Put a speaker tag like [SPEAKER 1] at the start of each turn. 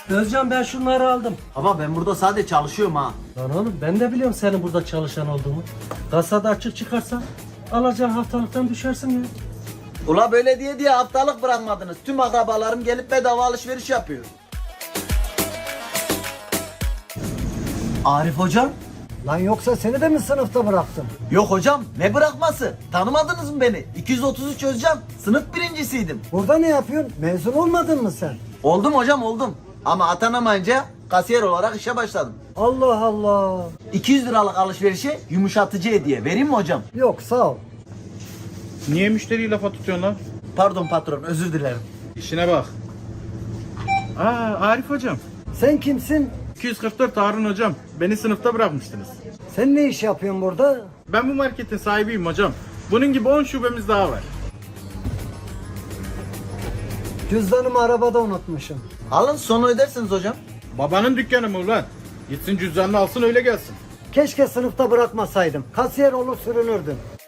[SPEAKER 1] Özcan ben şunları aldım.
[SPEAKER 2] Ama ben burada sadece çalışıyorum ha.
[SPEAKER 1] Lan oğlum ben de biliyorum senin burada çalışan olduğumu. Kasada açık çıkarsan alacağın haftalıktan düşersin ya.
[SPEAKER 2] Ula böyle diye haftalık bırakmadınız. Tüm akrabalarım gelip bedava alışveriş yapıyor. Arif hocam?
[SPEAKER 3] Lan yoksa seni de mi sınıfta bıraktım?
[SPEAKER 2] Yok hocam, ne bırakması? Tanımadınız mı beni? 233 Özcan. Sınıf birincisiydim.
[SPEAKER 3] Burada ne yapıyorsun? Mezun olmadın mı sen?
[SPEAKER 2] Oldum hocam oldum. Ama atanamayınca kasiyer olarak işe başladım.
[SPEAKER 3] Allah Allah.
[SPEAKER 2] 200 liralık alışverişe yumuşatıcı hediye. Vereyim mi hocam?
[SPEAKER 3] Yok sağ ol.
[SPEAKER 4] Niye müşteriyi lafa tutuyorsun lan?
[SPEAKER 2] Pardon patron, özür dilerim.
[SPEAKER 4] İşine bak. Arif hocam.
[SPEAKER 3] Sen kimsin?
[SPEAKER 4] 244 Harun hocam. Beni sınıfta bırakmıştınız.
[SPEAKER 3] Sen ne iş yapıyorsun burada?
[SPEAKER 4] Ben bu marketin sahibiyim hocam. Bunun gibi 10 şubemiz daha var.
[SPEAKER 3] Cüzdanımı arabada unutmuşum.
[SPEAKER 2] Alın sonra ödersiniz hocam.
[SPEAKER 4] Babanın dükkanı mı ulan? Gitsin cüzdanını alsın öyle gelsin.
[SPEAKER 3] Keşke sınıfta bırakmasaydım. Kasiyer olur sürünürdüm.